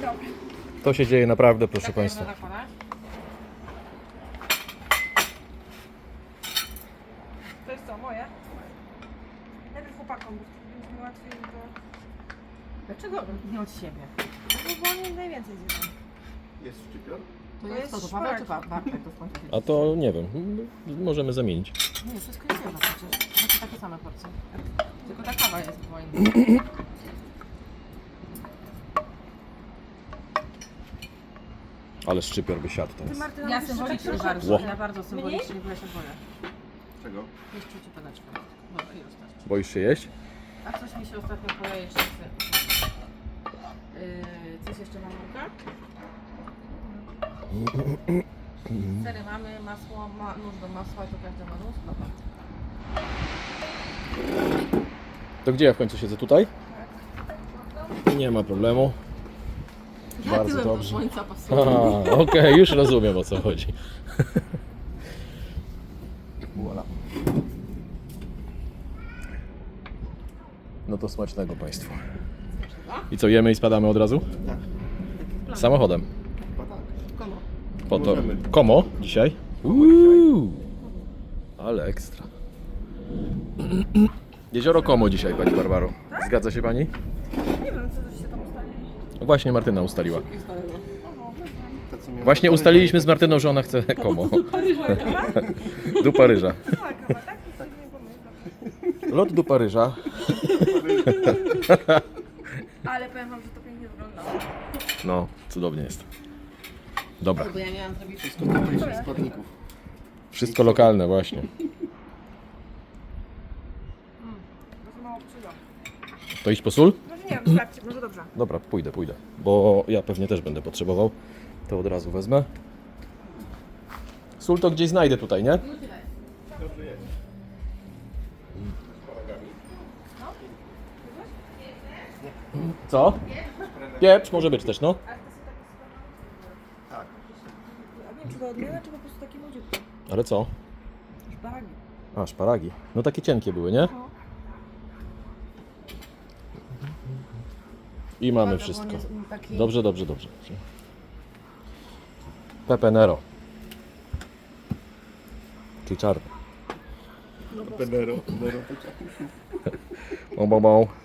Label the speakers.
Speaker 1: dobry.
Speaker 2: To się dzieje naprawdę, proszę Państwa.
Speaker 1: To jest co, moje? Najpierw chłopakom, bo mi łatwiej to...
Speaker 3: Dlaczego nie od siebie?
Speaker 1: No bo oni najwięcej zjedzą.
Speaker 4: Jest szczypior?
Speaker 3: To
Speaker 1: To
Speaker 3: jest
Speaker 1: jest
Speaker 3: to Paweł czy
Speaker 1: szparagi.
Speaker 3: Bartek to skończy?
Speaker 2: A to nie wiem, możemy zamienić.
Speaker 3: Nie, wszystko jest jedno przecież. Znaczy takie same porcje. Tylko ta kawa jest była inna.
Speaker 2: Ale szczypior by siadł
Speaker 1: Ty
Speaker 2: teraz.
Speaker 1: Martyna,
Speaker 3: Ja
Speaker 1: musisz
Speaker 3: symbolicznie
Speaker 1: tak
Speaker 3: bardzo,
Speaker 2: Ło.
Speaker 3: ja bardzo symbolicznie, bo ja się boję.
Speaker 4: Czego?
Speaker 3: Jest czucie paneczka. Dobra, i wystarczy.
Speaker 2: Boisz się jeść?
Speaker 3: A coś mi się ostatnio poleje jeszcze. Coś jeszcze mam Luka? Sery mamy, masło, nóż do masła, to każdy ma nóż. Dobra.
Speaker 2: To gdzie ja w końcu siedzę? Tutaj? Nie ma problemu. Bardzo
Speaker 3: tyłem do
Speaker 2: dobrze.
Speaker 3: słońca pasuję.
Speaker 2: Okej, już rozumiem, o co chodzi. Voilà. No to smacznego Państwu. I co, jemy i spadamy od razu?
Speaker 4: Tak.
Speaker 2: Samochodem.
Speaker 4: Chyba tak.
Speaker 3: Komu?
Speaker 2: Po to.
Speaker 4: Możemy.
Speaker 2: Komo dzisiaj? Ale ekstra. Jezioro Komo dzisiaj, Pani Barbaro. Zgadza się Pani?
Speaker 1: Nie wiem, co się tam ustalili.
Speaker 2: Właśnie Martyna ustaliła.
Speaker 4: Te, co miałem
Speaker 2: Właśnie
Speaker 4: na
Speaker 2: ustaliliśmy z Martyną, że ona chce Komo. Do Paryża.
Speaker 1: Tak, chyba, tak? To nie pomyślę.
Speaker 2: Lot do Paryża.
Speaker 1: Ale powiem wam, że to pięknie wyglądało.
Speaker 2: No, cudownie jest. Dobra.
Speaker 3: Bo ja miałam zrobić
Speaker 4: wszystko tamtejszych składników.
Speaker 2: Wszystko lokalne właśnie.
Speaker 1: Może mało przyjdą.
Speaker 2: To iść po sól?
Speaker 1: Może nie wiem, sprawdźcie, może dobrze.
Speaker 2: Dobra, pójdę. Bo ja pewnie też będę potrzebował. To od razu wezmę. Sól to gdzieś znajdę tutaj, nie?
Speaker 4: Dobrze jest.
Speaker 2: Co? Pieprz może być też, no.
Speaker 4: Tak.
Speaker 1: A nie wiem, czy to odmiana, czy po prostu takie młodziutkie.
Speaker 2: Ale co?
Speaker 1: Szparagi.
Speaker 2: A, szparagi. No takie cienkie były, nie?
Speaker 1: No.
Speaker 2: I mamy wszystko. Dobrze. Pepe Nero. Czyli czarny.
Speaker 4: Pedero.
Speaker 2: Bom.